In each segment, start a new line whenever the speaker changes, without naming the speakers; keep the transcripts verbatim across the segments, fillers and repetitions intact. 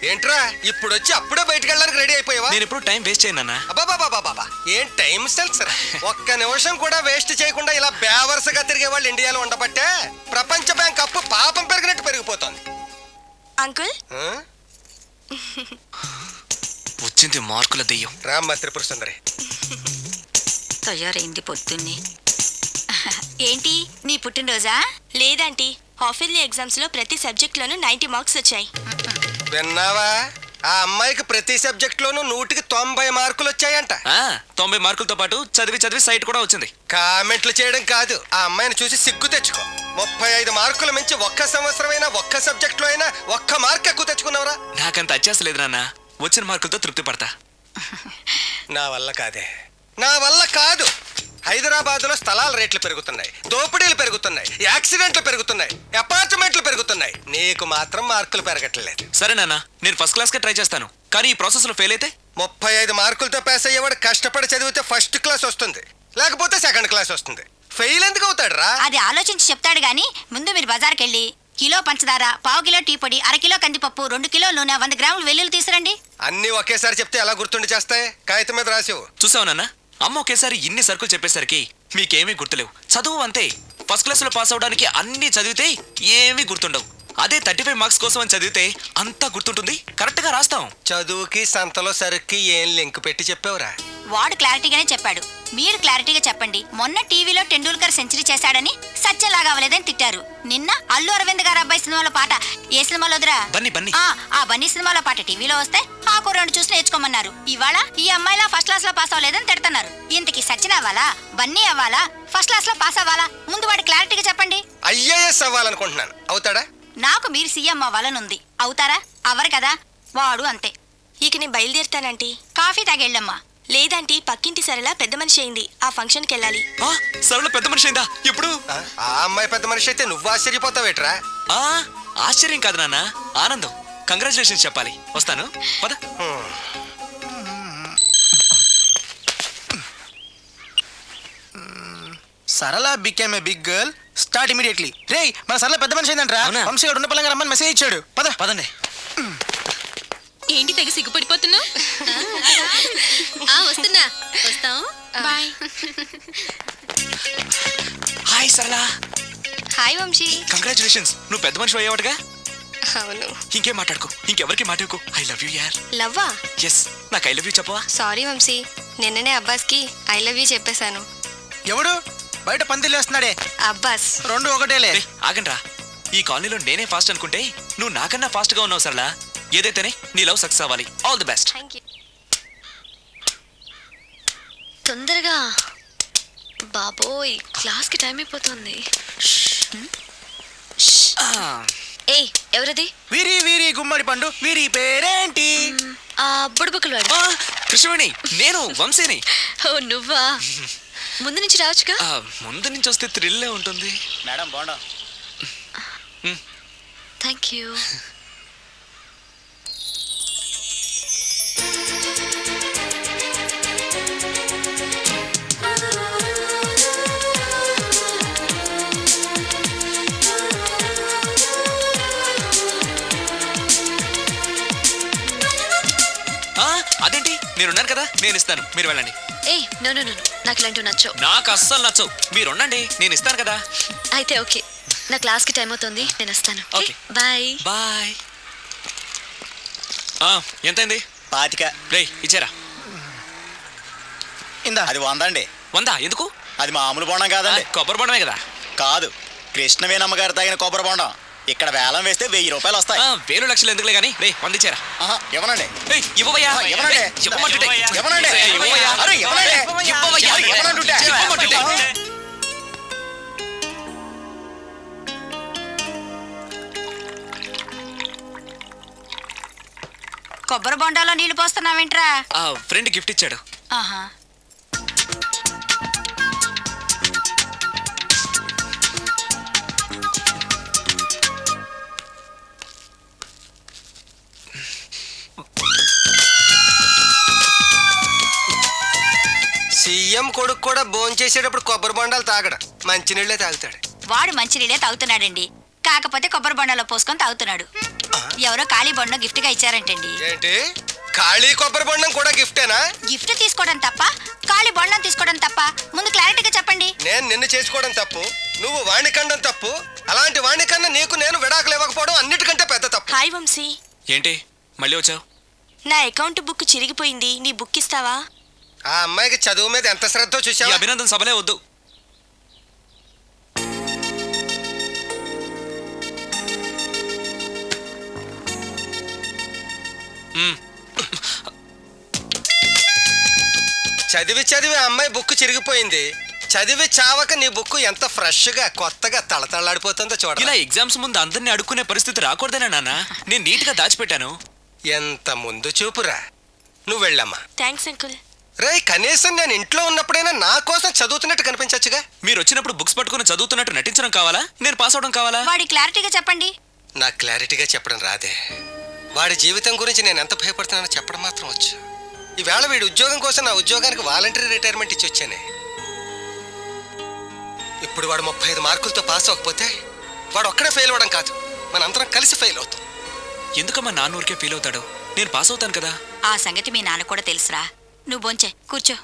ఏంట్రా ఇప్పుడు వచ్చి అప్పుడే బయటకు వెళ్ళడానికి రెడీ అయిపోయావా?
నేను ఇప్పుడు టైం వేస్ట్ చేయను.
అబ్బాబాబాబాబా ఏం టైం సెన్స్ రా. ఒక్క నిమిషం కూడా వేస్ట్ చేయకుండా ఇలా బేవర్సగా తిరిగే వాళ్ళు ఇండియాలో ఉండబట్టే ప్రపంచ బ్యాంక్ అప్పు పాపం పెరిగినట్టు పెరిగిపోతుంది.
అంకుల్
వచ్చింది మార్కుల దెయ్యం.
రామ్మ త్రిపుర సుందరి
తయారైంది పొద్దున్నే. ఏంటి నీ పుట్టినరోజా?
లేదంటీ, హాఫ్ ఇయర్లీ ఎగ్జామ్స్ లో ప్రతి సబ్జెక్ట్ లోనూ నైన్టీ మార్క్స్ వచ్చాయి.
విన్నావా? ఆ అమ్మాయికి ప్రతి సబ్జెక్ట్ లోనూ నూటికి తొంభై మార్కులు వచ్చాయంట.
తొంభై మార్కులతో పాటు చదివి చదివి సైట్ కూడా వచ్చింది.
కామెంట్లు చేయడం కాదు, ఆ అమ్మాయిని చూసి సిగ్గు తెచ్చుకో. ముప్పై ఐదు మార్కుల మించి ఒక్క సంవత్సరమైనా ఒక్క సబ్జెక్ట్ లో అయినా ఒక్క మార్క్ ఎక్కువ తెచ్చుకున్నావురా?
నాకంత అత్యాస లేదు నాన్న, వచ్చిన మార్కులతో తృప్తి పడతా.
నా వల్ల కాదే, నా వల్ల కాదు. హైదరాబాద్ లో స్థలాల రేట్లు పెరుగుతున్నాయి, దోపిడీలు పెరుగుతున్నాయి, యాక్సిడెంట్లు పెరుగుతున్నాయి, అపార్ట్మెంట్లు పెరుగుతున్నాయి. నీకు మాత్రం మార్కులు పెరగట్లేదు.
సరే నాన్న, నేను ఫస్ట్ క్లాస్ కే ట్రై చేస్తాను. కానీ ఈ ప్రాసెస్ లో ఫెయిల్ అయితే?
ముప్పై ఐదు మార్కులతో పాస్ అయ్యేవాడు కష్టపడి చదివితే ఫస్ట్ క్లాస్ వస్తుంది, లేకపోతే సెకండ్ క్లాస్ వస్తుంది. ఫెయిల్ ఎందుకు అవుతాడు రా?
అది ఆలోచించి చెప్తాడు గాని ముందు మీరు బజార్కి వెళ్ళి కిలో పంచదార, పావు కిలో టీ పొడి, అర కిలో కందిపప్పు, రెండు కిలో నూనె, వంద గ్రాములు వెల్లుల్లి తీసురండి.
అన్ని ఒకేసారి చెప్తే ఎలా గుర్తుండి చేస్తాయి? కాగితం మీద రాసివు.
చూసావు నాన్న, అమ్మ ఒకేసారి ఇన్ని సరుకులు చెప్పేసరికి మీకేమీ గుర్తులేవు. చదువు అంతే, ఫస్ట్ క్లాస్ లో పాస్ అవడానికి అన్ని చదివితే ఏమీ గుర్తుండవు. అదే థర్టీ ఫైవ్ మార్క్స్ కోసం అని చదివితే అంతా గుర్తుంటుంది, కరెక్ట్ గా రాస్తాం.
చదువుకి సంతలో సరుక్కి ఏం లింక్ పెట్టి చెప్పావురా?
వాడు క్లారిటీగానే చెప్పాడు, మీరు క్లారిటీగా చెప్పండి. మొన్న టీవీలో టెండూల్కర్ సెంచరీ చేశాడని సత్యలాగా అవ్వలేదని తిట్టారు. నిన్న అల్లు అరవింద్ గారు అబ్బాయి సినిమాలో పాట ఏ సినిమాలో వదిరా?
బన్నీ బన్నీ.
ఆ బన్నీ సినిమాలో పాట టీవీలో వస్తే ఆ రెండు చూసి నేర్చుకోమన్నారు. ఇవాళ ఈ అమ్మాయిలా ఫస్ట్ క్లాస్ లో పాస్ అవ్వలేదని తిడుతున్నారు. ఇంతకి సచిన్ అవ్వాలా, బన్నీ అవ్వాలా, ఫస్ట్ క్లాస్ లో పాస్ అవ్వాలా? ముందు వాడు క్లారిటీగా చెప్పండి.
ఐఏఎస్ అవ్వాలనుకుంటున్నాను, అవుతాడా?
నాకు మీరు సీఎం అవ్వాలనుంది, అవుతారా? అవ్వరు కదా, వాడు అంతే.
ఇక నేను బయలుదేరుతానంటీ.
కాఫీ తాగెళ్ళమ్మా.
లేదంటీ, పక్కింటి సరళ పెద్ద మనిషి అయింది, ఆ ఫంక్షన్ కి వెళ్ళాలి.
సరళ పెద్ద మనిషి అయిందా? ఎప్పుడు?
ఆ అమ్మాయి పెద్ద మనిషి అయితే నువ్వు ఆశ్చర్యపోతావేట్రా?
ఆశ్చర్యం కాదు నాన్న, ఆనందం. కంగ్రాచులేషన్స్ చెప్పాలి. వస్తాను, పద.
Sarala became a big girl, start immediately. రేయ్, మన సరళ పెద్ద మనిషి అయిందంట్రా. వంశీ గారు ఉన్న పలంగా రమ్మని మెసేజ్ ఇచ్చాడు. పద
పదండి.
ఏంటి తెగ సిగ్గుపడిపోతున్నావు? వస్తున్నా, వస్తాం. Bye.
Hi Sarala.
Hi Vamsi.
Congratulations, నువ్వు పెద్ద మనిషి అయ్యావటగా.
అవును.
ఇంకేం మాట్లాడుకో, ఇంకెవరికి మాట్లాడుకో. ఐ లవ్ యూ యార్.
లవ్వా?
ఎస్, నాకు ఐ లవ్ యూ చెప్పవా?
సారీ వంశీ, నిన్ననే అబ్బాస్ కి ఐ లవ్ యూ చెప్పేశాను.
ఎవడు బయట పందిలు వేస్తున్నాడే?
అబ్బాస్.
రెండు ఒకటేలే.
ఆగండ్రా, ఈ కాలనీలో నేనే ఫాస్ట్ అనుకుంటే నువ్వు నాకన్నా ఫాస్ట్ గా ఉన్నావు సరళ. ఏదైతేనే నీ లవ్ సక్సెస్ అవ్వాలి. All the best.
Thank you.
తొందరగా బాబోయ్, క్లాస్ కి టైం అయిపోతుంది. ఏయ్, ఎవరది?
వీరి వీరి గుమ్మడి పండు. వీరి పేరేంటి?
ఆ బుడబుక్కలు వాడు.
కృష్ణవేణి, నేను వంశీని.
ఓ నువ్వా? ముందు నుంచి రావచ్చుగా.
ముందు నుంచి వస్తే థ్రిల్ ఉంటుంది.
మేడం బాగుండా.
Thank you.
అదేంటి, నేనున్నాను కదా, నేను ఇస్తాను, మీరు వెళ్ళండి.
ఏయ్ నో నో నో, నాకు ఇలాంటివి నచ్చవు.
నాకు అస్సలు నచ్చవు, మీరు ఉండండి, నేను ఇస్తాను కదా.
అయితే ఓకే, నా క్లాస్ కి టైం అవుతుంది, నేను వస్తాను.
Okay,
bye
bye. ఎంతైంది?
పాతిక.
రే ఇచ్చారా?
ఇందా.
అది వందండి.
వందా? ఎందుకు?
అది మామూలు బొండం కాదండి,
కొబ్బరి బొండమే కదా.
కాదు, కృష్ణవేణమ్మ గారు తాగిన కొబ్బరి బొండం. ఇక్కడ వేలం వేస్తే వెయ్యి రూపాయలు వస్తాయి.
వేలు లక్షలు ఎందుకులే గానీ రే వందిచ్చారా?
ఇవ్వనండి.
ఇవ్వవయ్యా.
ఇవ్వనండి.
ఇవ్వమంటుంటే.
ఇవ్వనండి.
ఇవ్వవయ్యా.
అరే, ఇవ్వనండి.
ఇవ్వవయ్యా.
ఇవ్వనంటుంటే.
ఇవ్వమంటుంటే.
కొబ్బరి బొండాలో నీళ్లు పోస్తున్నావేంట్రా?
ఫ్రెండ్ గిఫ్ట్ ఇచ్చాడు.
ఆహా.
సీఎం కొడుకు కూడా భోజనం చేసేటప్పుడు కొబ్బరి బొండాలు తాగడు, మంచినీళ్ళే తాగుతాడు.
వాడు మంచినీళ్ళే తాగుతున్నాడండి, కాకపోతే కొబ్బరి బొండాలో పోసుకొని తాగుతున్నాడు. ఎవరో ఖాళీ బొండం గిఫ్ట్ గా ఇచ్చారంటండి.
ఏంటి ఖాళీ కొబ్బరి బొండం కూడా గిఫ్టేనా?
గిఫ్ట్ తీసుకోవడం తప్ప, ఖాళీ బొండం తీసుకోవడం తప్ప? ముందు క్లారిటీగా చెప్పండి.
నేను నిన్ను చేసుకోవడం తప్పు, నువ్వు వాణ్ణి కండం తప్పు. అలాంటి వాణ్ణి కన్నా నీకు నేను విడాకులు ఇవ్వకపోవడం అన్నిటికంటే పెద్ద తప్పు.
హాయ్ వంశీ,
ఏంటి మళ్ళీ వచ్చావు?
నా అకౌంట్ బుక్ చిరిగిపోయింది, నీ బుక్ ఇస్తావా?
ఆ అమ్మాయికి చదువు మీద ఎంత శ్రద్ధ
ఈ
చూసావా?
అభినందన సభలే వద్దు. మ్మ్.
చదివి చదివి ఆ అమ్మాయి బుక్ చిరిగిపోయింది. చదివి చావక నీ బుక్ ఎంత ఫ్రెష్ గా కొత్తగా తళతళలాడిపోతుందో చూడ.
ఇలా ఎగ్జామ్స్ ముందు అందరిని అడుక్కునే పరిస్థితి రాకూడదేనా నాన్న? నేను నీట్ గా దాచిపెట్టాను.
ఎంత ముందు చూపురా. నువ్వు వెళ్ళమ్మా.
Thanks uncle.
రేయ్, కనీసం నేను ఇంట్లో ఉన్నప్పుడైనా నా కోసం చదువుతున్నట్టు కనిపించచ్చుగా.
మీరు వచ్చినప్పుడు బుక్స్ పట్టుకుని చదువుతున్నట్టు నటించడం కావాలా, నేను పాస్ అవడం కావాలా?
వాడి క్లారిటీగా చెప్పండి.
నాకు క్లారిటీగా చెప్పడం రాదే. వాడి జీవితం గురించి నేను ఎంత భయపడుతున్నానో చెప్పడం మాత్రం వచ్చు. ఈవేళ వీడి ఉద్యోగం కోసం నా ఉద్యోగానికి వాలంటరీ రిటైర్మెంట్ ఇచ్చి వచ్చానే. ఇప్పుడు వాడు ముప్పై ఐదు మార్కులతో పాస్ అవ్వకపోతే వాడు ఒక్కడే ఫెయిల్ అవ్వడం కాదు, మనందరం కలిసి ఫెయిల్ అవుతాం.
ఎందుకమ్మా నాన్న ఊరికే ఫీల్ అవుతాడు? నేను పాస్ అవుతాను కదా.
ఆ సంగతి మీ నాన్న కూడా తెలుసురా. నువ్వు బొంచే కూర్చో.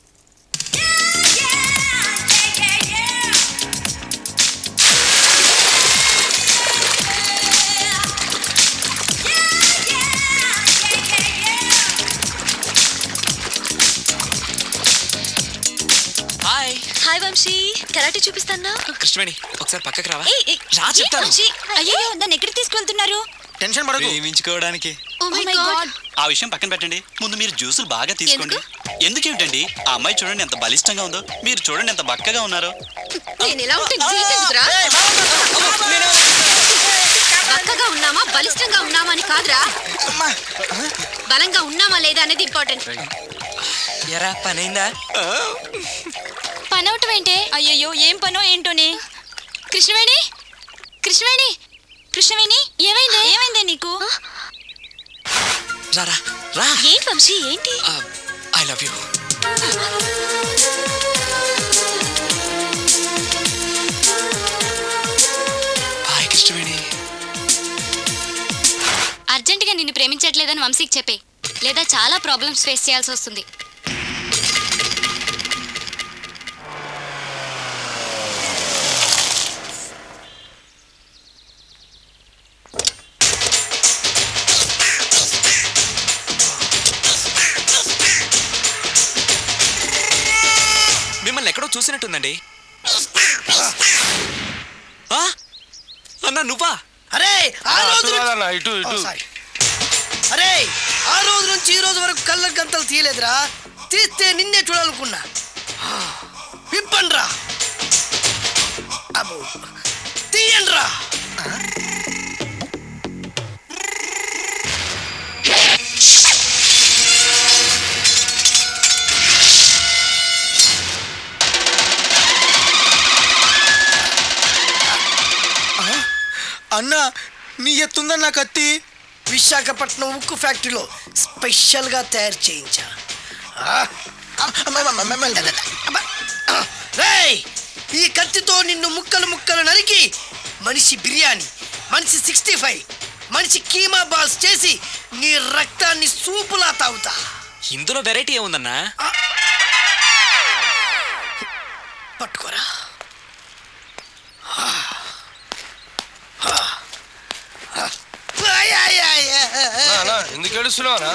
హాయ్
హాయ్ వంశీ, కరాటే చూపిస్తానా?
కృష్ణవేణి, ఒకసారి పక్కకి రావా?
ఏయ్, ఏయ్,
రా చెప్తాను.
వంశీ,
అయ్యో, దాన్ని ఎక్కడికి తీసుకెళ్తున్నారు?
టెన్షన్ పడకు.
ప్రేమించుకోవడానికి.
Oh my God.
ఆ విషయం పక్కన పెట్టండి, ముందు మీరు జ్యూసులు బాగా తీసుకోండి. ఎందుకేమిటండి, ఆ అమ్మాయి చూడండి ఎంత బలిష్టంగా ఉందో, మీరు చూడండి ఎంత బక్కగా ఉన్నారో.
నేను ఎలా ఉంటే నీకెందుకురా? బక్కగా ఉన్నామా బలిష్టంగా ఉన్నామా అని కాదురా, బలంగా ఉన్నామా లేదా అనేది ఇంపార్టెంట్.
ఎరా పనైందా?
పని అవటం ఏంటే? అయ్యయ్యో, ఏం పనో ఏంటోనే. కృష్ణవేణి, కృష్ణవేణి, కృష్ణవేణి, ఏమైంది? ఏమైందే నీకు?
రారా రా.
ఏంటి వంశీ, ఏంటి?
I love you. Hi Krishnaveni.
అర్జెంటుగా నిన్ను ప్రేమించట్లేదని వంశీకి చెప్పే, లేదా చాలా ప్రాబ్లమ్స్ ఫేస్ చేయాల్సి వస్తుంది.
మిమ్మల్ని ఎక్కడో చూసినట్టుందండి. ఆ? అన్నా నువ్వా?
అరే ఆ రోజు
ఇటు
ఓ, సారీ. అరే ఆ రోజు నుంచి ఈ రోజు వరకు కళ్ళ గంతలు తీయలేదురా. తీస్తే నిన్నే చూడాలనుకున్నా. విప్పండ్రా, అబ్బో తీయండ్రా.
అన్నా, నీ ఎత్తుందన్న నా కత్తి.
విశాఖపట్నం ఉక్కు ఫ్యాక్టరీలో స్పెషల్గా తయారు చేయించా. ఆ, రేయ్, ఈ కత్తితో నిన్ను ముక్కలు ముక్కలు నరికి మనిషి బిర్యానీ, మనిషి సిక్స్టీ ఫైవ్, మనిషి కీమా బాల్స్ చేసి నీ రక్తాన్ని సూపులా తాగుతా.
ఇందులో వెరైటీ ఏముందన్నా?
పట్టుకోరా.
ఎందుకు ఏడుస్తున్నావా?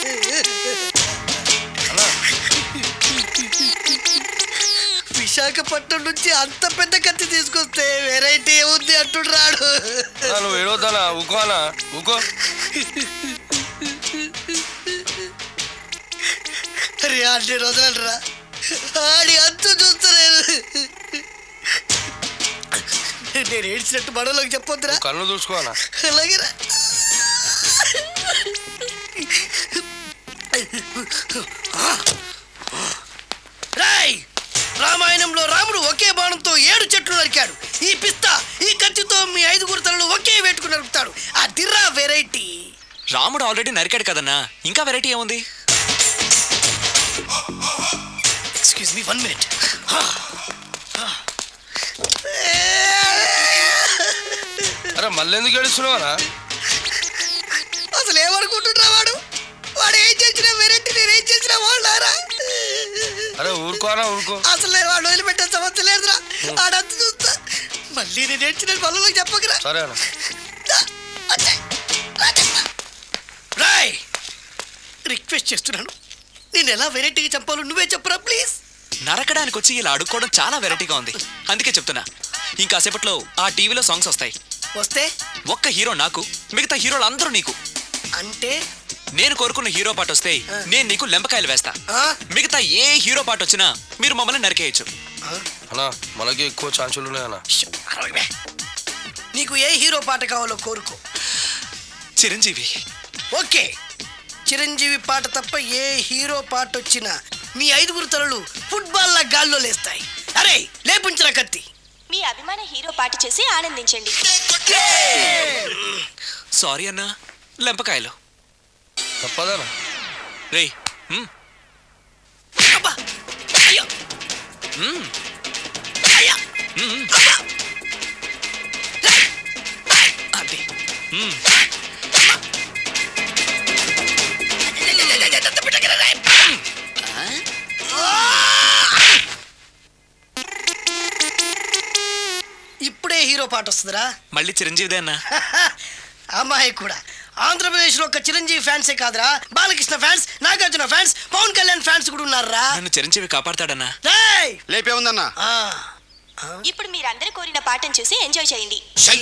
విశాఖపట్నం నుంచి అంత పెద్ద కత్తి తీసుకొస్తే వెరైటీ ఏముంది అంటున్నాడు.
నువ్వు ఏడవద్దానా? ఊకోనా? ఊకో.
అరే అన్ని రోజులరా, ఆడి అంతు చూస్తలేదు. నేను ఏడ్చినట్టు మనలోకి చెప్పొద్దురా.
కళ్ళు చూసుకోనా?
అలాగేరా. రాయ్, రామాయణంలో రాముడు ఒకే బాణంతో ఏడు చెట్లు నరికాడు. ఈ పిస్తా ఈ కత్తితో మీ ఐదుగురు తలలు ఒకే వేటుకు నరుకుతాడు. ఆ దిర్రా వెరైటీ.
రాముడు ఆల్రెడీ నరికాడు కదన్నా, ఇంకా వెరైటీ ఏముంది?
Excuse me one minute.
అరే మళ్ళీ ఎందుకు ఏడుస్తున్నావా? ఊరుకోనా ఊరుకో.
అసలు నేను వాడు వదిలిపెట్టే సమస్య లేదురా. ఆడంత చూస్తా మళ్ళీ నేను ఏడ్చిన పనులకు చెప్పకరా.
సరే అన్న.
రాయ్ రిక్వెస్ట్ చేస్తున్నాను, నేను ఎలా వెరైటీగా చంపాలో నువ్వే చెప్పరా ప్లీజ్.
నరకడానికి వచ్చి ఇలా అడుక్కోవడం చాలా వెరైటీగా ఉంది. అందుకే చెప్తున్నా, ఇంకాసేపట్లో ఆ టీవీలో సాంగ్స్ వస్తాయి.
వస్తే
ఒక్క హీరో నాకు, మిగతా హీరోలు అందరూ నీకు.
అంటే
నేను కోరుకున్న హీరో పాట వస్తే నేను నీకు లెంపకాయలు వేస్తా.
ఆ?
మిగతా ఏ హీరో పాట వచ్చినా మీరు మమ్మల్ని నరికేయచ్చు.
అన్నా మనకి ఎక్కువ ఛాన్సులు ఉన్నాయన్నా.
ష్, అరవై. నీకు ఏ హీరో పాట కావాలో కోరుకో.
చిరంజీవి.
ఓకే, చిరంజీవి పాట తప్ప ఏ హీరో పాట వచ్చినా మీ ఐదుగురు తలలు ఫుట్బాల్ లా గాల్లో లేస్తాయి. అరే లేపుంచిన కత్తి.
మీ అభిమాన హీరో పాట చేసి ఆనందించండి.
సారీ అన్నా, లెంపకాయలు.
తప్పదనా?
రేయ్ మ్,
అబ్బా! అయ్యో!
మ్,
అయ్యా!
మ్,
అబ్బా! రేయ్! రేయ్!
అది మ్.
ఇప్పుడే హీరో పాట వస్తుందిరా.
మళ్ళీ చిరంజీవిదే అన్నా.
అమ్మాయి కూడా ఆంధ్రప్రదేశ్ లో ఒక చిరంజీవి ఫ్యాన్సే కాదురా, Balakrishna fans, Nagarjuna fans, Pawan Kalyan fans కూడా ఉన్నారా.
నన్ను చిరంజీవి కాపాడతాడన్నా.
రేయ్!
లేపే ఉందన్నా.
ఆ,
ఇప్పుడు మీరందరూ కోరిన పాటను చూసి ఎంజాయ్ చేయండి.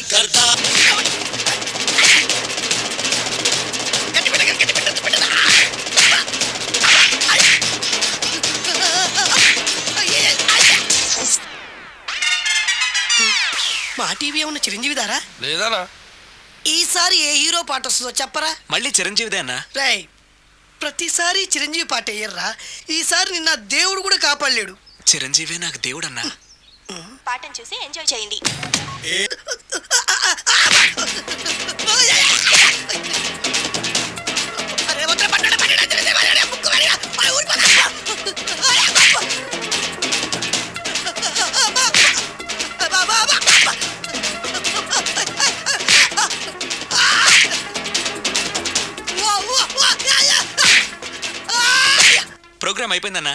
మా టీవీ ఏమన్నా చిరంజీవి దారా?
లేదనా?
ఈసారి ఏ హీరో పాట వస్తుందో చెప్పరా.
మళ్ళీ చిరంజీవిదే అన్నా.
రేయ్, ప్రతిసారి చిరంజీవి పాట వేయర్రా. ఈసారి నిన్న దేవుడు కూడా కాపాడలేడు.
చిరంజీవి నాకు దేవుడన్నా.
పాటను చూసి ఎంజాయ్ చేయండి.
ప్రోగ్రామ్ అయిపోయిందన్నా.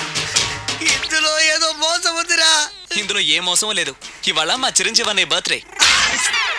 ఇందులో ఏదో మోసం ఉందిరా.
ఇందులో ఏ మోసం లేదు. ఇవాళ మా చిరంజీవి అనే బర్త్డే.